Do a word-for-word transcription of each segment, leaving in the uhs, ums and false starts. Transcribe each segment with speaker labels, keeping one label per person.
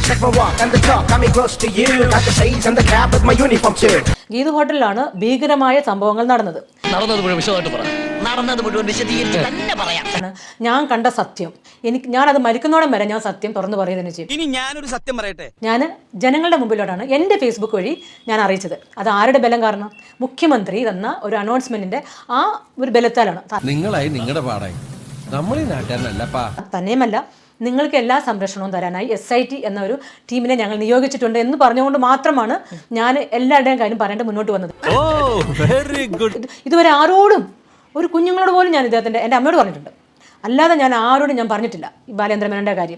Speaker 1: Check my walk and the talk, got me close to you. Got the shades and the cap with my uniform too.
Speaker 2: Geethu ഹോട്ടലിലാണ് ഭീകരമായ സംഭവങ്ങൾ നടന്നത്.
Speaker 3: നടന്നത് മുഴുവൻ വിശദമായിട്ട് പറ. നടന്നത് മുഴുവൻ വിശദീകരിച്ച് തന്നെ പറയാം.
Speaker 2: ഞാൻ കണ്ട സത്യം, എനിക്ക് ഞാനത് മരിക്കുന്നോളം വരെ ഞാൻ സത്യം തുറന്നു പറയുന്നതിന് ചെയ്യും.
Speaker 4: ഇനി ഞാനൊരു സത്യം പറയട്ടെ.
Speaker 2: ഞാൻ ജനങ്ങളുടെ മുമ്പിലോട്ടാണ് എൻ്റെ ഫേസ്ബുക്ക് വഴി ഞാൻ അറിയിച്ചത്. അത് ആരുടെ ബലം കാരണം? മുഖ്യമന്ത്രി തന്ന ഒരു അനൗൺസ്മെന്റിന്റെ ആ ഒരു ബലത്താലാണ്.
Speaker 5: നിങ്ങളായി നിങ്ങളുടെ പാടായി നമ്മൾ ഈ നാട്ടുകാരനല്ലപ്പാ.
Speaker 2: തന്നെയുമല്ല, നിങ്ങൾക്ക് എല്ലാ സംരക്ഷണവും തരാനായി എസ് ഐ ടി എന്ന ഒരു ടീമിനെ ഞങ്ങൾ നിയോഗിച്ചിട്ടുണ്ട് എന്ന് പറഞ്ഞുകൊണ്ട് മാത്രമാണ് ഞാൻ എല്ലാവരുടെയും കാര്യം പറയേണ്ടത് മുന്നോട്ട് വന്നത്. ഇതുവരെ ആരോടും, ഒരു കുഞ്ഞുങ്ങളോട് പോലും ഞാൻ ഇദ്ദേഹത്തിന്റെ എൻ്റെ അമ്മയോട് പറഞ്ഞിട്ടുണ്ട്, അല്ലാതെ ഞാൻ ആരോടും ഞാൻ പറഞ്ഞിട്ടില്ല ഈ ബാലേന്ദ്ര മേനോന്റെ കാര്യം.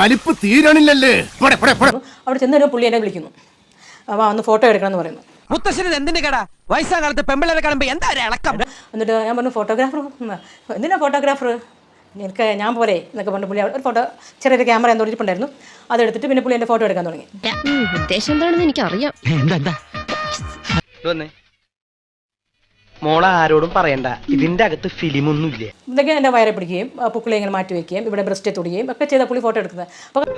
Speaker 2: അവിടെ ചെന്നൊരു പുള്ളി എന്നെ വിളിക്കുന്നു, അപ്പോൾ ഒന്ന് ഫോട്ടോ എടുക്കണം എന്ന് പറയുന്നു.
Speaker 4: മുത്തശ്ശന് എന്തിന്റെ കട? വയസ്സാം കാലത്ത് പെമ്പിളരെ കാണുമ്പോ എന്താ ഇളക്കം?
Speaker 2: എന്നിട്ട് ഞാൻ പറഞ്ഞു ഫോട്ടോഗ്രാഫർ, എന്തിനാ ഫോട്ടോഗ്രാഫർ, എനിക്ക് ഞാൻ പോലെ എന്നൊക്കെ പറഞ്ഞു. പുള്ളി ഒരു ഫോട്ടോ ചെറിയൊരു ക്യാമറ എന്തോ ഇരിപ്പുണ്ടായിരുന്നു, അതെടുത്തിട്ട് പിന്നെ പുള്ളി എൻ്റെ ഫോട്ടോ എടുക്കാൻ തുടങ്ങി.
Speaker 6: ഉദ്ദേശം എന്താണെന്ന് എനിക്കറിയാം.
Speaker 7: മോളെ ആരോടും പറയണ്ട, ഇതിന്റെ അകത്ത് ഫിലിം ഒന്നുമില്ല.
Speaker 2: ഇതൊക്കെ എൻ്റെ വയറെ പിടിക്കുകയും പുക്കിളെ ഇങ്ങനെ മാറ്റി വയ്ക്കുകയും ഇവിടെ ബ്രസ്റ്റ് തൊടുകയും ഒക്കെ ചെയ്ത പുള്ളി ഫോട്ടോ എടുക്കുന്നത്.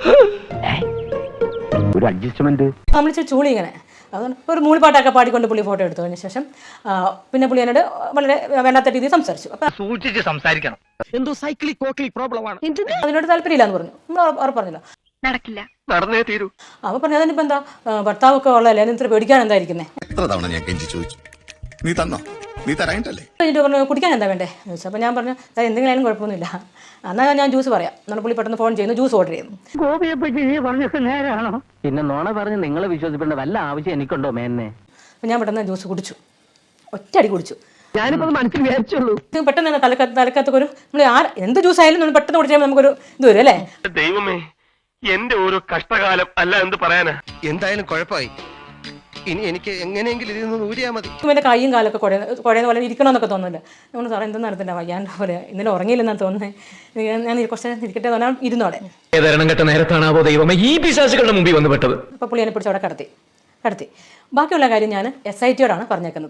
Speaker 7: ഒരു അഡ്ജസ്റ്റ്മെന്റ്
Speaker 2: നമ്മൾ ചൂളി ഇങ്ങനെ അതുകൊണ്ട് ഒരു മൂളിപ്പാട്ടൊക്കെ പാടിക്കൊണ്ട് പുള്ളി ഫോട്ടോ എടുത്തു. അതിന് ശേഷം പിന്നെ പുള്ളി എന്നോട് വളരെ വേണ്ടാത്ത രീതിയിൽ സംസാരിച്ചു. അപ്പം
Speaker 7: സൂക്ഷിച്ച് സംസാരിക്കണം. എന്തോ സൈക്ലിക് കോക്ലിക് പ്രോബ്ലം ആണ്.
Speaker 2: അതിനോട് താല്പര്യമില്ല എന്ന് പറഞ്ഞു. നമ്മൾ ഉറപ്പ് പറഞ്ഞില്ല,
Speaker 6: നടക്കില്ല,
Speaker 7: നടന്നേ തീരൂ.
Speaker 2: അപ്പോൾ പറഞ്ഞു അതിനിപ്പോൾ എന്താ, ഭർത്താവൊക്കെ ഉള്ളതല്ലേ, അതിന് ഇത്ര പേടിക്കാൻ എന്തായിരിക്കുന്നത്?
Speaker 8: എത്ര തവണ ഞാൻ കെഞ്ചി ചോദിച്ചു, നീ തന്നോ? നീ തരായിട്ടല്ലേ?
Speaker 2: കഴിഞ്ഞിട്ട് പറഞ്ഞു കുടിക്കാൻ എന്താ വേണ്ടേ എന്ന് ചോദിച്ചു. അപ്പോൾ ഞാൻ പറഞ്ഞു എന്തെങ്കിലും ആയാലും കുഴപ്പമൊന്നുമില്ല, എന്നാൽ ഞാൻ ജ്യൂസ് പറയാം. എന്നാൽ പുള്ളി പെട്ടെന്ന് ഫോൺ ചെയ്യുന്നു, ജ്യൂസ് ഓർഡർ ചെയ്യുന്നു.
Speaker 7: ഗോപിയെ പറ്റി നീ പറഞ്ഞത് നേരാണോ? പിന്നെ നോണ പറഞ്ഞ് നിങ്ങളെ വിശ്വസിക്കേണ്ട വല്ല ആവശ്യം എനിക്കുണ്ടോ മേന്നെ?
Speaker 2: അപ്പോൾ ഞാൻ പെട്ടെന്ന് ജ്യൂസ് കുടിച്ചു, ഒറ്റയടി കുടിച്ചു.
Speaker 7: ഞാനിപ്പോ മനസ്സിൽ വിചാരിച്ചുള്ളൂ.
Speaker 2: പെട്ടെന്ന് തന്നെ തലക്കത്ത് തലക്കത്തൊക്കെ ഒരു നമ്മൾ ആ എന്ത് ജ്യൂസ് ആയാലും നമ്മൾ പെട്ടെന്ന് കുടിച്ചാൽ നമുക്കൊരു ഇത് വരും അല്ലേ?
Speaker 9: ദൈവമേ, എന്റെ ഒരു കഷ്ടകാലം അല്ല എന്ത് പറയാനാ.
Speaker 5: എന്തായാലും കുഴപ്പമായി. ഇനി എനിക്ക് എങ്ങനെയെങ്കിലും ഇതിൽ നിന്ന് ഊരിയാൽ മതി.
Speaker 2: എൻ്റെ കൈയും കാലൊക്കെ കുഴ കുഴയുന്ന പോലെ ഇരിക്കണമെന്നൊക്കെ തോന്നുന്നുണ്ട്. നമ്മൾ സാറേ എന്തെന്ന് നടത്തില്ല, ഞാൻ പറയാം ഇന്നലെ ഉറങ്ങിയില്ലെന്നാണ് തോന്നുന്നത്, ഞാൻ കുറച്ച് ഇരിക്കട്ടെ തോന്നാൻ ഇരുന്നോടെ.
Speaker 9: ഏതരണം കെട്ട നേരത്താണോ ദൈവമേ ഈ പിശാചുകളുടെ മുമ്പിൽ വന്ന് പെട്ടത്.
Speaker 2: അപ്പോൾ പുള്ളി എന്നെ പിടിച്ച് അവിടെ കടത്തി കടത്തി ബാക്കിയുള്ള കാര്യം ഞാൻ എസ് ഐ ടിയോടാണ് പറഞ്ഞേക്കുന്നത്.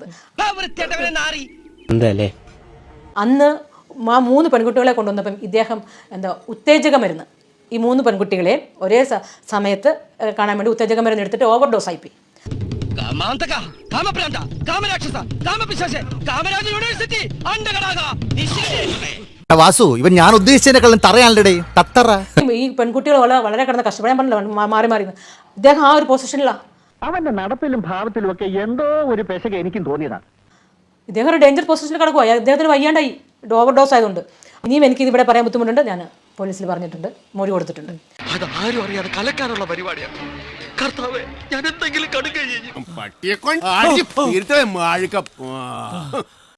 Speaker 2: അന്ന് ആ മൂന്ന് പെൺകുട്ടികളെ കൊണ്ടുവന്നപ്പം ഇദ്ദേഹം എന്താ ഉത്തേജക മരുന്ന് ഈ മൂന്ന് പെൺകുട്ടികളെ ഒരേ സമയത്ത് കാണാൻ വേണ്ടി ഉത്തേജക മരുന്ന് എടുത്തിട്ട് ഓവർ ഡോസ് ആയിപ്പോയി.
Speaker 10: വാസു, ഇവൻ ഞാൻ ഉദ്ദേശിച്ചതിനെക്കാളും തറയാണല്ലേ തത്തറ.
Speaker 2: ഈ പെൺകുട്ടികൾ വളരെ കിടന്ന് കഷ്ടപ്പെടാൻ പറഞ്ഞില്ല, മാറി മാറി ഇദ്ദേഹം ആ ഒരു പൊസിഷനിലാണ്.
Speaker 7: അവന്റെ നടപ്പിലും ഭാവത്തിലും ഒക്കെ എന്തോ ഒരു പെശക എനിക്കും തോന്നിയതാണ്.
Speaker 2: ഇദ്ദേഹം ഒരു ഡേഞ്ചർ പൊസിഷനിൽ കിടക്കുക, ഇദ്ദേഹത്തിന് വയ്യാണ്ടായി ഓവർ ഡോസ് ആയതുകൊണ്ട്. ഇനിയും എനിക്ക് ഇതിവിടെ പറയാൻ ബുദ്ധിമുട്ടുണ്ട്, ഞാൻ പോലീസിൽ പറഞ്ഞിട്ടുണ്ട്, മൊഴി കൊടുത്തിട്ടുണ്ട്.
Speaker 5: അത് ആരും അറിയാതെ കലക്കാനുള്ള പരിപാടിയാണ്. കർത്താവേ, ഞാൻ എന്തെങ്കിലും കടുകയും